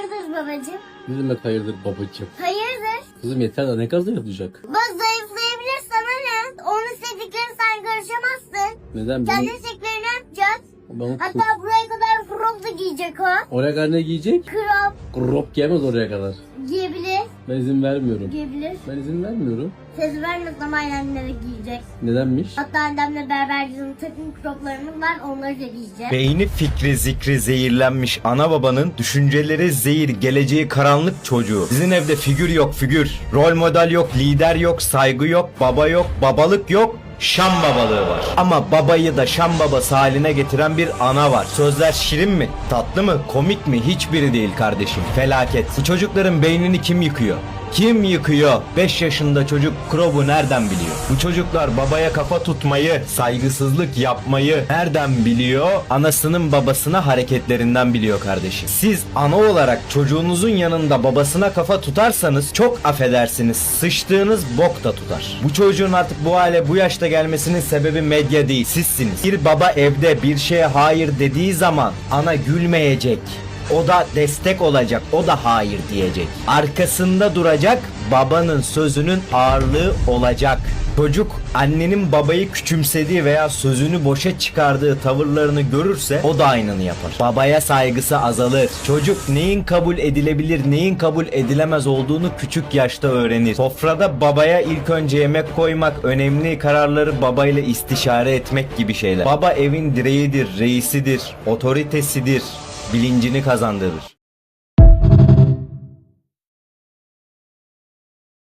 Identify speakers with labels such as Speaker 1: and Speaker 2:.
Speaker 1: Hayırdır babacığım?
Speaker 2: Ne demek hayırdır babacığım?
Speaker 1: Hayırdır?
Speaker 2: Kızım yeter de ne kadar zayıflayacak?
Speaker 1: Bak zayıflayabilir sana ne? Onun istediklerini sen karışamazsın.
Speaker 2: Neden?
Speaker 1: Kendi isteklerini yapacağız.
Speaker 2: Bunu
Speaker 1: Hatta buraya kadar crop da giyecek o.
Speaker 2: oraya kadar ne giyecek?
Speaker 1: Crop
Speaker 2: Crop giyemez oraya kadar.
Speaker 1: giyebilir.
Speaker 2: Ben izin vermiyorum.
Speaker 1: Giyebilir.
Speaker 2: Ben izin vermiyorum.
Speaker 1: Söz vermezsem annemlere giyecek.
Speaker 2: Nedenmiş?
Speaker 1: Hatta annemle beraber bizim takım croplarımız var, onları da giyeceğim.
Speaker 3: Beyni fikri zikri zehirlenmiş ana babanın düşünceleri zehir, geleceği karanlık çocuğu. Sizin evde figür yok figür. Rol model yok, lider yok, saygı yok, baba yok, babalık yok. Şam babalığı var. Ama babayı da Şam babası haline getiren bir ana var. Sözler şirin mi? Tatlı mı? Komik mi? Hiçbiri değil kardeşim. Felaket. Bu çocukların beynini kim yıkıyor? Kim yıkıyor? 5 yaşında çocuk Krob'u nereden biliyor? Bu çocuklar babaya kafa tutmayı, saygısızlık yapmayı nereden biliyor? Anasının babasına hareketlerinden biliyor kardeşim. Siz ana olarak çocuğunuzun yanında babasına kafa tutarsanız çok affedersiniz sıçtığınız bok da tutar. Bu çocuğun artık bu hale bu yaşta gelmesinin sebebi medya değil, sizsiniz. Bir baba evde bir şeye hayır dediği zaman ana gülmeyecek. O da destek olacak, o da hayır diyecek. Arkasında duracak, babanın sözünün ağırlığı olacak. Çocuk annenin babayı küçümsediği veya sözünü boşa çıkardığı tavırlarını görürse o da aynını yapar. Babaya saygısı azalır. Çocuk neyin kabul edilebilir, neyin kabul edilemez olduğunu küçük yaşta öğrenir. Sofrada babaya ilk önce yemek koymak, önemli kararları babayla istişare etmek gibi şeyler. Baba evin direğidir, reisidir, otoritesidir. Bilincini kazandırır.